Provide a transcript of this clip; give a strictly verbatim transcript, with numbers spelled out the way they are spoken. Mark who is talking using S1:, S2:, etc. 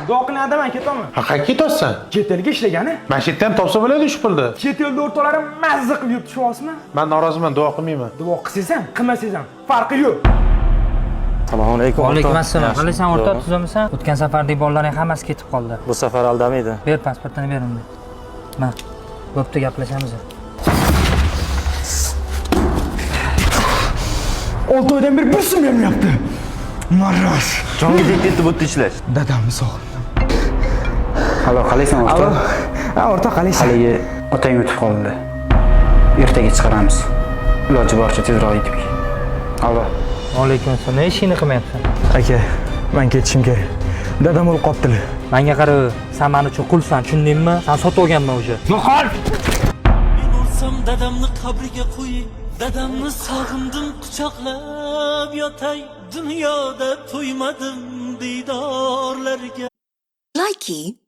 S1: Duo qilyapman, men ketaman.
S2: Ha, qayerga ketyapsan?
S1: Chet elga ishlagani?
S2: Men chet elda ham topsa bo'ladi shu pulni.
S1: Chet elda o'rtalarim mazza qilib yuribdi, tushunyapsizmi?
S2: Men noroziman, duo qilmayman.
S1: Duo qilsangiz ham, qilmasangiz ham farqi yo'q.
S3: Assalomu alaykum.
S4: Alaykum assalom. Qalaysan o'rta, tuzamisan? O'tgan safardagi bolalarning hammasi ketib qoldi.
S3: Bu safar aldamaydi.
S4: Ber pasportini ber unda. Mana. Bo'pti, gaplashamiz.
S1: olti oydan beri bir so'm bermayapti. Marras.
S3: Jonga ketdi bu ishlash.
S1: Dadamni sog'indim.
S5: Halo, qalaysan o'rta?
S1: Alo. Ha, o'rta qalaysan?
S5: Haligi otang o'tib qoldi. Ertaga chiqaramiz. Iloji boricha tezroq yetib kel. Alo.
S4: Alaykum assalom. Ne ishingni qilmayapsan?
S1: Aka, men ketishim kerak. Dadam o'lib qoptilar.
S4: Menga qara, sen meni uchun qulsan, tushundingmi? Sen sotib olganman o'sha.
S1: Yo'qol.
S6: Men o'lsam dadamni qabriga qo'ying, dadamni sog'indim quchoqlab yotay, dunyoda to'ymadim diydorlarga.
S7: Likey